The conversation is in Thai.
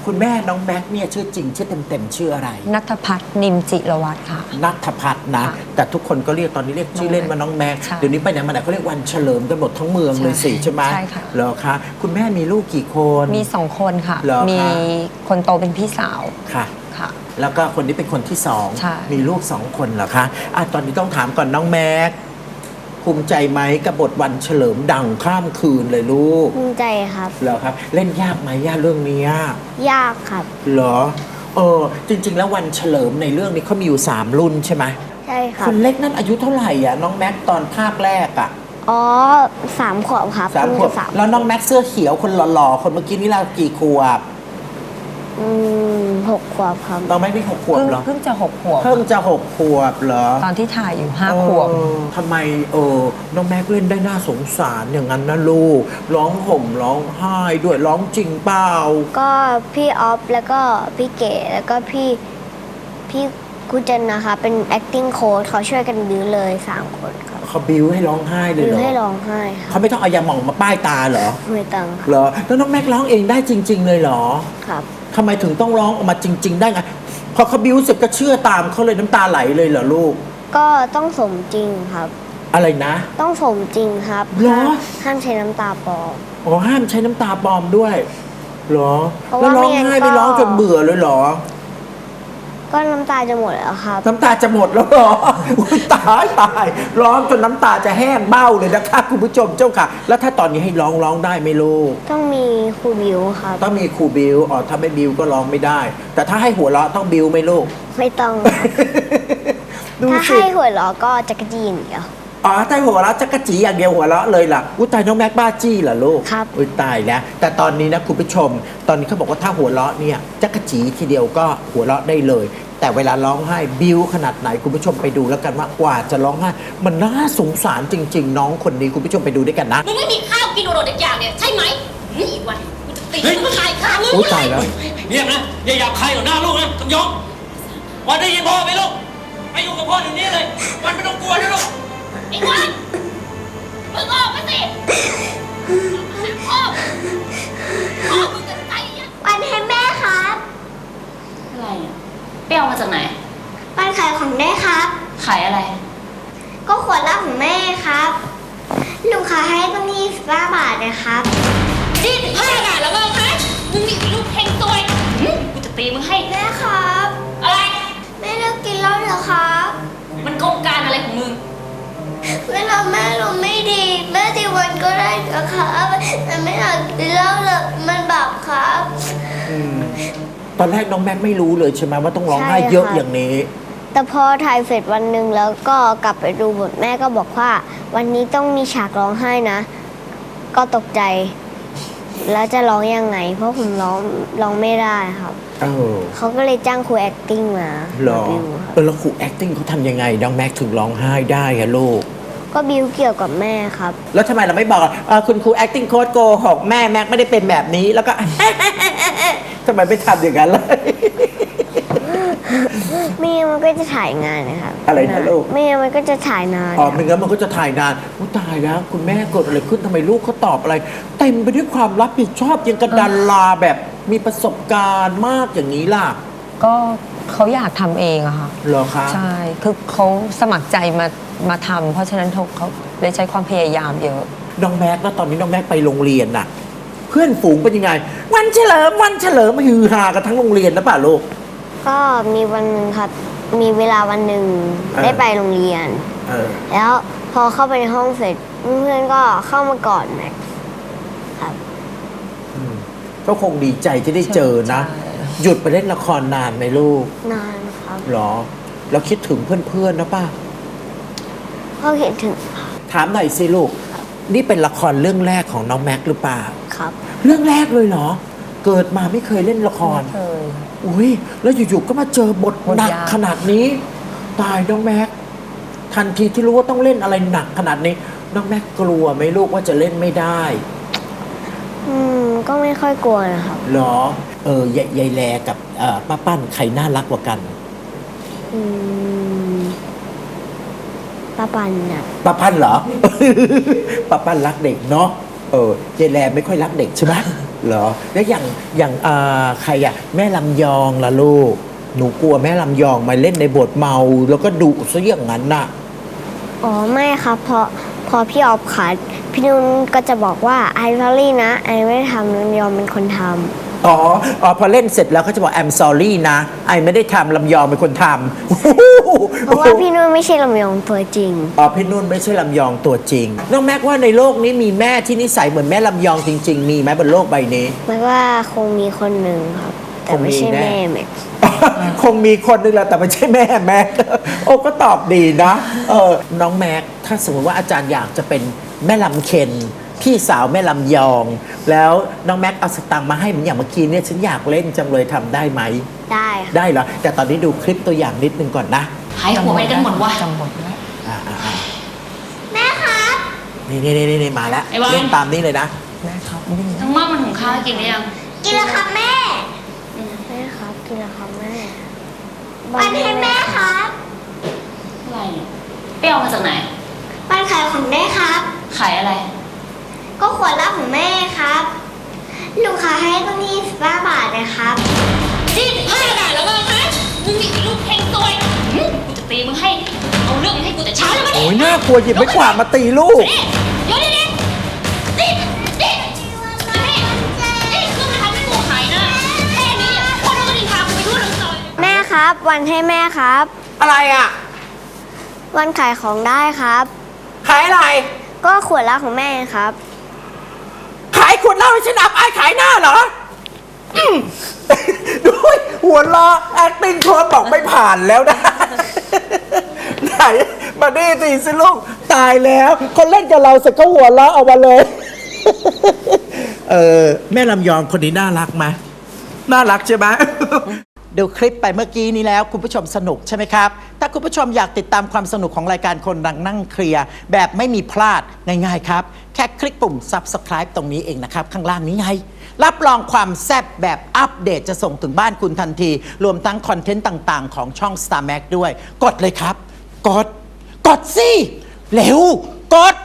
คุณแม่น้องแม็กเนี่ยชื่อจริงชื่อเต็มชื่ออะไรณัฐพัฒน์นิมจิรวัตรค่ะณัฐพัฒน์นะแต่ทุกคนก็เรียกตอนนี้เรียกชื่อเล่นว่าน้องแม็กเดี๋ยวนี้ไปไหนมาไหนเขาเรียกวันเฉลิมกันหมดทั้งเมืองเลยสิใช่ไหมใช่ค่ะเหรอคะคุณแม่มีลูกกี่คนมี2 คนค่ะมีคนโตเป็นพี่สาวค่ะค่ะแล้วก็คนนี้เป็นคนที่2มีลูก2 คนเหรอคะตอนนี้ต้องถามก่อนน้องแม็กภูมิใจไหมกับบทวันเฉลิมดังข้ามคืนเลยลูกภูมิใจครับเหรอครับเล่นยากไหมยากเรื่องนี้ยากครับเหรอจริงๆแล้ววันเฉลิมในเรื่องนี้เขามีอยู่3 รุ่นใช่ไหมใช่ครับคนเล็กนั่นอายุเท่าไหร่น้องแม็กตอนภาคแรกอ๋อ3 ขวบครับ 3 ขวบแล้วน้องแม็กเสื้อเขียวคนหล่อๆคนเมื่อกี้นี่เรากี่ขวบ 6 ขวบครับน้องแม็กนี่6 ขวบเหรอเพิ่งจะ6 ขวบเพิ่งจะ6 ขวบเหรอตอนที่ถ่ายอยู่5 ขวบทำไมน้องแม็กเล่นได้น่าสงสารอย่างนั้นนะลูกร้องห่มร้องไห้ด้วยร้องจริงเปล่าก็พี่ออฟแล้วก็พี่เก๋แล้วก็พี่กุจันนะคะเป็น acting coach เขาช่วยกันบิ้วเลย3 คนครับเขาบิ้วให้ร้องไห้เลยเหรอบิ้วให้ร้องไห้เขาไม่ต้องเอายาหม่องมาป้ายตาเหรอไม่ต้องเหรอแล้วน้องแม็กร้องเองได้จริงๆเลยเหรอครับทำไมถึงต้องร้องออกมาจริงๆได้ไงพอเขาบิ้วเสร็จก็เชื่อตามเขาเลยน้ำตาไหลเลยเหรอลูกก็ต้องสมจริงครับอะไรนะต้องสมจริงครับเหรอห้ามใช้น้ำตาปลอมห้ามใช้น้ำตาปลอมด้วยเหรอแล้วร้องไห้ไม่ร้องจนเบื่อเลยเหรอก็น้ำตาจะหมดแล้วครับน้ำตาจะหมดแล้วเหรอตายร้องจนน้ำตาจะแห้งเบ้าเลยนะคะคุณผู้ชมเจ้าค่ะแล้วถ้าตอนนี้ให้ร้องได้ไหมลูกต้องมีครูบิวครับต้องมีครูบิวถ้าไม่บิวก็ร้องไม่ได้แต่ถ้าให้หัวเราะต้องบิวไหมลูกไม่ต้องถ้าให้หัวเราะก็จักรจีนเดียวถ้าหัวเราะจักรจีอย่างเดียวหัวเราะเลยล่ะตายน้องแม็กบ้าจี้เหรอลูกครับตายแล้วแต่ตอนนี้นะคุณผู้ชมตอนนี้เขาบอกว่าถ้าหัวเราะเนี่ยจักรจีทีเดียวก็หัวเราะได้เลยแต่เวลาร้องไห้บิ้วขนาดไหนคุณผู้ชมไปดูแล้วกันว่ากว่าจะร้องไห้มันน่าสงสารจริงๆน้องคนนี้คุณผู้ชมไปดูด้วยกันนะมึงไม่มีข้าวกินโดดๆอย่างเนี่ยใช่ไหมนี่อีกวันกูจะตีมึงขายข้าวมึงตายแล้วเนี่ยนะอย่าหยาบคายต่อหน้าลูกนะต้องยกวันได้ยินพ่อไหมลูกไปอยู่กับพ่ออย่างนี้เลยวันไม่ต้องกลัวนะลูกไอ้วันมึงออกมาสิพ่อมึงจะใจยังวันให้แม่ครับอะไรเปรี้ยวมาจากไหนวันขายของได้ครับขายอะไรก็ขวดละของแม่ครับลุงขายให้ต้อง25 บาทนะครับ 25 บาทแล้วก็คะมึงมีลูกเฮงตัวยกูจะตีมึงให้แม่ครับอะไรแม่เลิกกินเหล้าเหรอครับมันโครงการอะไรของมึงเวลาแม่ลมไม่ดีแม่ที่วันก็ได้นะครับแต่ไม่อยากกินเหล้าเลยมันบาปครับตอนแรกน้องแม็กไม่รู้เลยใช่ไหมว่าต้องร้องไห้เยอะอย่างนี้แต่พอถ่ายเสร็จวันหนึ่งแล้วก็กลับไปดูบทแม่ก็บอกว่าวันนี้ต้องมีฉากร้องไห้นะก็ตกใจแล้วจะร้องยังไงเพราะผมร้องไม่ได้ครับเขาก็เลยจ้างครู acting มาหรอแล้วครู acting เขาทำยังไงน้องแม็กถึงร้องไห้ได้อะลูกก็บิวเกี่ยวกับแม่ครับแล้วทำไมเราไม่บอกคุณครู acting coach โกหกแม่แม็กไม่ได้เป็นแบบนี้แล้วก็ทำไมไม่ทำอย่างนั้นเลยไม่งั้นมันก็จะถ่ายงานนะครับอะไรนะลูกไม่งั้นมันก็จะถ่ายนานไม่งั้นมันก็จะถ่ายนานตายแล้วคุณแม่เกิดอะไรขึ้นทำไมลูกเขาตอบอะไรเต็มไปด้วยความรับผิดชอบยังกระดันลาแบบมีประสบการณ์มากอย่างนี้ล่ะก็เขาอยากทำเองอะค่ะเหรอคะใช่คือเขาสมัครใจมาทำเพราะฉะนั้นเขาเลยใช้ความพยายามเยอะน้องแม็กแล้วตอนนี้น้องแม็กไปโรงเรียนน่ะเพื่อนฝูงเป็นยังไงวันเฉลิมฮือฮากันทั้งโรงเรียนนะป่ะลูกก็มีวันหนึ่งครับมีเวลาวันหนึ่งได้ไปโรงเรียนแล้วพอเข้าไปในห้องเสร็จเพื่อนก็เข้ามากอดแม็กครับก็คงดีใจที่ได้เจอนะหยุดไปเล่นละครนานไหมลูกนานครับหรอแล้วคิดถึงเพื่อนๆนะป้าก็คิดถึงถามหน่อยสิลูกนี่เป็นละครเรื่องแรกของน้องแม็กหรือเปล่าครับเรื่องแรกเลยเหรอเกิดมาไม่เคยเล่นละครอุ้ยแล้วอยู่ๆก็มาเจอบทหนักขนาดนี้ตายน้องแม็กทันทีที่รู้ว่าต้องเล่นอะไรหนักขนาดนี้น้องแม็กกลัวไหมลูกว่าจะเล่นไม่ได้ก็ไม่ค่อยกลัวนะครับหรอยายแลกับป้าปั้นใครน่ารักกว่ากันป้าปั้นน่ะป้าปั้นเหรอป้าปั้นรักเด็กเนาะยายแลไม่ค่อยรักเด็กใช่ไหมเหรอแล้วอย่างใครอะแม่ลำยองล่ะลูกหนูกลัวแม่ลำยองมาเล่นในบทเมาแล้วก็ดุซะอย่างนั้นน่ะอ๋อไม่ครับพอพี่ออฟขาดพี่นุ่นก็จะบอกว่าไอซอรี่นะไอไม่ได้ทำลำยองเป็นคนทำอ๋อพอเล่นเสร็จแล้วเขาจะบอก I'm sorry นะไอไม่ได้ทำลำยองเป็นคนทำเพราะว่าพี่นุ่นไม่ใช่ลำยองตัวจริงอ๋อพี่นุ่นไม่ใช่ลำยองตัวจริงน้องแม็กว่าในโลกนี้มีแม่ที่นิสัยเหมือนแม่ลำยองจริง ๆ มีไหมบนโลกใบนี้แม้ว่าคงมีคนหนึ่งครับ แต่ไม่ใช่คงมีแน่แม่แม็กซ์คงมีคนนึงแหละแต่ไม่ใช่แม่แม็ก โอ้ก็ตอบดีนะน้องแม็กถ้าสมมติว่าอาจารย์อยากจะเป็นแม่ลำเคนพี่สาวแม่ลำยอง แล้วน้องแม็กเอาสตังค์มาให้เหมือนอย่างเมื่อกี้เนี่ยฉันอยากเล่นจังเลยทำได้ไหมได้ค่ะได้เหรอแต่ตอนนี้ดูคลิปตัวอย่างนิดนึงก่อนนะหายหัวไปกันหมดวะจำบทได้แม่ครับนี่มาแล้วไอ้บอลเล่นตามนี้เลยนะแม่ครับวิ่งทั้งม่ามันหุงข้าวให้กินหรือยังกินแล้วครับแม่แม่ครับกินแล้วครับแม่วันให้แม่ครับอะไรเนี่ยไปเอามาจากไหนวันขายของแม่ครับขายอะไรก็ขวดละของแม่ครับลูกค้าให้ตั้ง25 บาทนะครับนี่15 บาทแล้วมั้งฮะมึงนี่ลูกเฮงซวยกูจะตีมึงให้ เอาเรื่องมึงให้กูแต่เช้าแล้วมั้ยโอ้ยน่ากลัวหยิบไม้กวาดมาตีลูกนี่เดี๋ยวนี่นี่คือมาทำให้กูขายนะแค่นี้คนเราก็ดินทากูไปทั่วทั้งซอยแม่ครับ วันให้แม่ครับอะไรอ่ะวันขายของได้ครับขายอะไรก็ขวดละของแม่ครับขายขวดเหล้าให้ฉันอับอายขายหน้าเหรอด้วยหัวล้อ acting โค้ดบอกไม่ผ่านแล้วนะ ไหนมาดิสิลูกตายแล้วคนเล่นกับเราเสร็จก็หัวล้อเอามาเลย แม่ลำยองคนนี้น่ารักไหมน่ารักใช่ไหม ดูคลิปไปเมื่อกี้นี้แล้วคุณผู้ชมสนุกใช่ไหมครับ ถ้าคุณผู้ชมอยากติดตามความสนุกของรายการคนดังนั่งเคลียร์แบบไม่มีพลาดง่ายๆครับ แค่คลิกปุ่ม subscribe ตรงนี้เองนะครับ ข้างล่างนี้ไง รับรองความแซ่บแบบอัปเดตจะส่งถึงบ้านคุณทันที รวมทั้งคอนเทนต์ต่างๆ ของช่อง Star Max ด้วย กดเลยครับ กดสิเร็วกด